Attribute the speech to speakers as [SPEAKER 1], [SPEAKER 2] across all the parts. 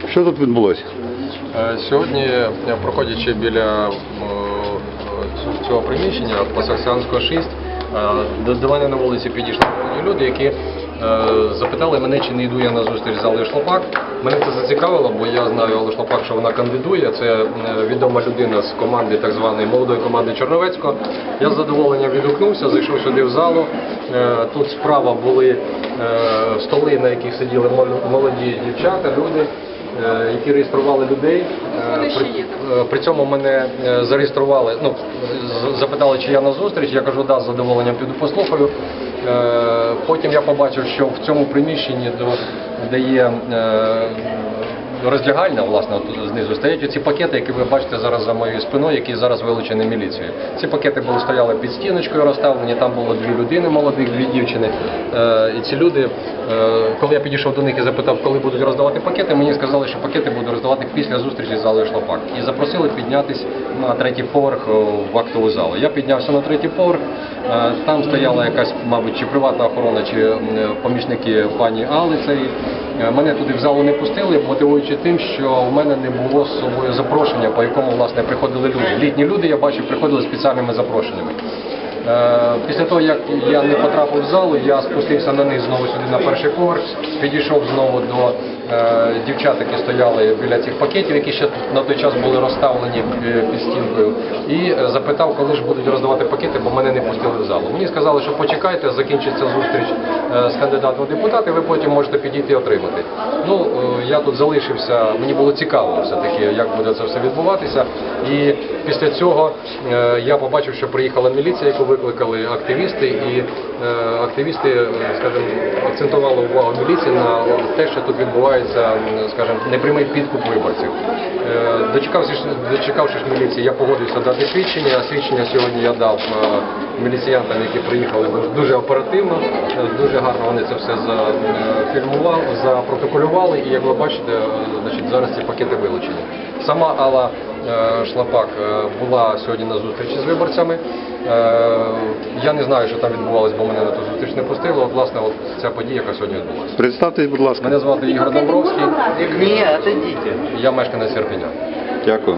[SPEAKER 1] Що тут відбулося?
[SPEAKER 2] Сьогодні, проходячи біля цього приміщення, Пасахсянського 6, до мене на вулиці підійшли люди, які запитали мене, чи не йду я на зустріч з Аллою Шлопак. Мене це зацікавило, бо я знаю Аллу Шлопак, що вона кандидує. Це відома людина з команди, так званої молодої команди Черновецького. Я з задоволенням відгукнувся, зайшов сюди в залу. Тут справа були столи, на яких сиділи молоді дівчата, люди, які реєстрували людей. При цьому мене зареєстрували, запитали, чи я на зустріч. Я кажу, да, з задоволенням піду послухаю. Потім я побачив, що в цьому приміщенні, де є роздягальня, власне, от знизу стоять ці пакети, які ви бачите зараз за моєю спиною, які зараз вилучені міліцією. Ці пакети стояли під стіночкою розставлені, там було 2 людини молодих, 2 дівчини. І ці люди, коли я підійшов до них і запитав, коли будуть роздавати пакети, мені сказали, що пакети будуть роздавати після зустрічі з Аллою Шлопак. І запросили піднятися на 3-й поверх в актову залу. Я піднявся на 3-й поверх, там стояла якась, мабуть, чи приватна охорона, чи помічники пані Алли цієї. Мене туди в залу не пустили, мотивуючи тим, що в мене не було з собою запрошення, по якому, власне, приходили люди. Літні люди, я бачив, приходили спеціальними запрошеннями. Після того, як я не потрапив в залу, я спустився на них знову сюди на 1-й поверх, підійшов знову до дівчат, які стояли біля цих пакетів, які ще на той час були розставлені під стінкою, і запитав, коли ж будуть роздавати пакети, бо мене не пустили в залу. Мені сказали, що почекайте, закінчиться зустріч з кандидатом в депутати, ви потім можете підійти і отримати. Я тут залишився, мені було цікаво все-таки, як буде це все відбуватися, і після цього я побачив, що приїхала міліція, яку викликали активісти, і активісти, скажімо, акцентували увагу міліції на те, що тут відбувається, скажімо, непрямий підкуп виборців. Дочекавшись міліції, я погодився дати свідчення, а свідчення сьогодні я дав міліціянтам, які приїхали дуже оперативно, дуже гарно вони це все зафільмували, запротоколювали, і як ви бачите, зараз ці пакети вилучені. Сама Алла Шлопак була сьогодні на зустрічі з виборцями. Я не знаю, що там відбувалося, бо мене на ту зустріч не пустили. Власне, ця подія, яка сьогодні відбулася.
[SPEAKER 1] Представтесь, будь ласка.
[SPEAKER 2] Мене звати Ігор Домбровський.
[SPEAKER 3] Ні, отойдите.
[SPEAKER 2] Я мешканець Ірпеня.
[SPEAKER 1] Дякую.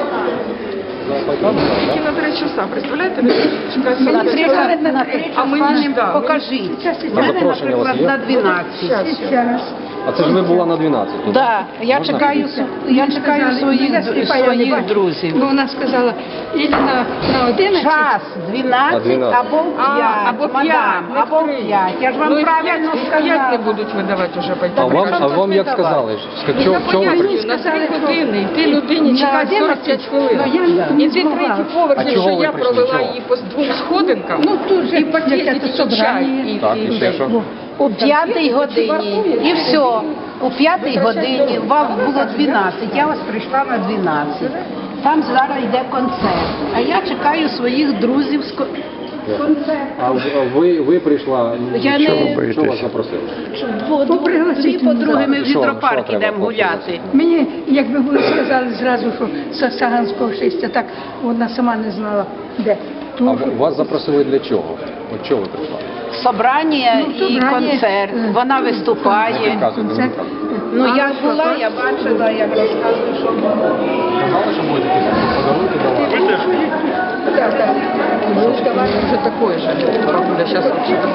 [SPEAKER 4] На 3 часа, представляєте?
[SPEAKER 3] На 3 часа покажіть.
[SPEAKER 2] На запрошення у вас є?
[SPEAKER 3] На 12.
[SPEAKER 2] А це ж ви була на 12.
[SPEAKER 3] Так, я чекаю своїх друзів.
[SPEAKER 4] Бо вона сказала, і на 11.
[SPEAKER 3] Час 12 або 5,
[SPEAKER 4] або 5,
[SPEAKER 3] мадам, або 5. Я ж вам правильно
[SPEAKER 4] Як не
[SPEAKER 3] сказала.
[SPEAKER 4] будуть видавати вже
[SPEAKER 2] А вам як сказали? Чого ви прийшли?
[SPEAKER 4] На 3 години, і ти людині чекати 45 хвилин. І ти 3-й поверх,
[SPEAKER 2] А
[SPEAKER 4] якщо
[SPEAKER 2] чого ви
[SPEAKER 4] я
[SPEAKER 2] прийшли?
[SPEAKER 4] провела
[SPEAKER 2] Чого?
[SPEAKER 4] її по 2 сходинкам, і пакет, і тільки чай.
[SPEAKER 2] Так, і ще що?
[SPEAKER 3] У 5-й годині. І все. У 5-й годині, вам було 12, я вас прийшла на 12. Там зараз йде концерт. А я чекаю своїх друзів з концерту.
[SPEAKER 2] А ви прийшла,
[SPEAKER 3] Я
[SPEAKER 2] що
[SPEAKER 3] не-
[SPEAKER 2] ви вас запросили?
[SPEAKER 3] Дві подруги ми в
[SPEAKER 2] Що
[SPEAKER 3] гідропарк
[SPEAKER 2] треба
[SPEAKER 3] йдемо гуляти.
[SPEAKER 5] Мені, якби ви сказали зразу, що з Саганського 6, так вона сама не знала, де.
[SPEAKER 2] А вас запросили для чого? От чого ви прийшла?
[SPEAKER 3] Собрання і
[SPEAKER 5] собрання,
[SPEAKER 3] концерт. Вона виступає.
[SPEAKER 2] Розказуйте,
[SPEAKER 5] Концерт.
[SPEAKER 3] Ну я була, я бачила, як розказую, що було.
[SPEAKER 2] Казали, що будете якісь подарунки давати?
[SPEAKER 5] Так, так.
[SPEAKER 4] Ну, давай вже такое же. Бабуля, зараз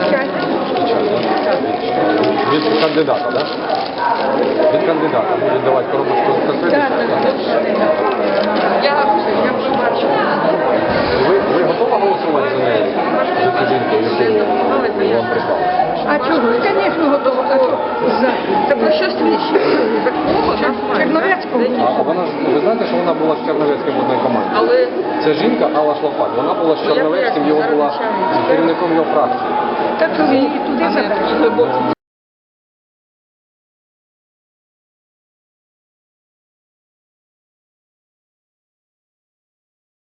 [SPEAKER 2] Від кандидата, так? Від кандидата. Будуть давати коробочку з конфетами.
[SPEAKER 4] Я вже бачила.
[SPEAKER 2] Ви готові голосувати за неї? За цю жінку, яку вам прислали?
[SPEAKER 5] А чого? Звісно, готова. А що?
[SPEAKER 4] Та про що свідчить? Такого нас має.
[SPEAKER 5] Черновецького?
[SPEAKER 2] А вона ж, ви знаєте, що вона була з Черновецьким в одній команді?
[SPEAKER 4] Але
[SPEAKER 2] Це жінка Алла Шлопак. Вона була з Черновецьким, його була керівником його фракції.
[SPEAKER 5] Так, і туди
[SPEAKER 4] а не
[SPEAKER 5] забрали.
[SPEAKER 4] такі глибокі.